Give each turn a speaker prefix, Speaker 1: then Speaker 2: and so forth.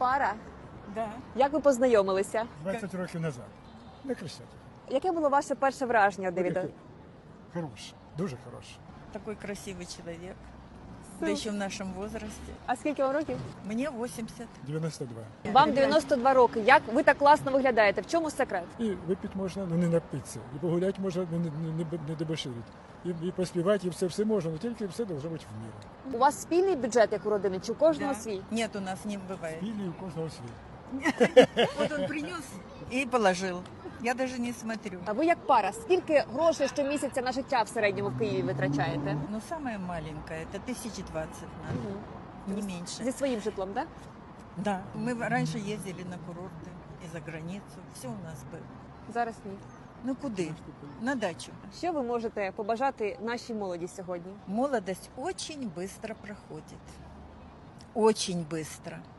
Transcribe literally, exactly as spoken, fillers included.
Speaker 1: пара?
Speaker 2: Да.
Speaker 1: Як ви познайомилися?
Speaker 3: двадцять років назад. На Хрещатику.
Speaker 1: Яке було ваше перше враження від Девіда?
Speaker 3: Хороше, дуже хороше.
Speaker 2: Такой красивый человек. Да еще в нашем возрасте.
Speaker 1: А скільки вам років?
Speaker 2: Мне восемьдесят.
Speaker 3: дев'яносто два.
Speaker 1: Вам дев'яносто два роки. Як ви так класно виглядаєте? В чому секрет?
Speaker 3: І випити можна, ну не напитися. І погуляти можна, ну не, не, не дебоширити. І, і поспівати, і все, все можна, але тільки все должно бути в міру.
Speaker 1: У вас спільний бюджет, як у родини, чи у кожного
Speaker 2: Да.
Speaker 1: свій?
Speaker 2: Нет, у нас не бывает.
Speaker 3: Спільний у кожного свій.
Speaker 2: Вот он принес и положил. Я даже не смотрю.
Speaker 1: А ви як пара, скільки грошей щомісяця на життя в середньому в Києві витрачаєте?
Speaker 2: Но самое маленькое, это тысячи двадцать надо, не меньше.
Speaker 1: Зі своїм житлом, так?
Speaker 2: Да, мы раньше ездили на курорты и за границу. Все у нас было.
Speaker 1: Зараз ні.
Speaker 2: Ну куды? На дачу.
Speaker 1: Що ви можете побажати нашій молоді сьогодні?
Speaker 2: Молодость очень быстро проходит. Очень быстро.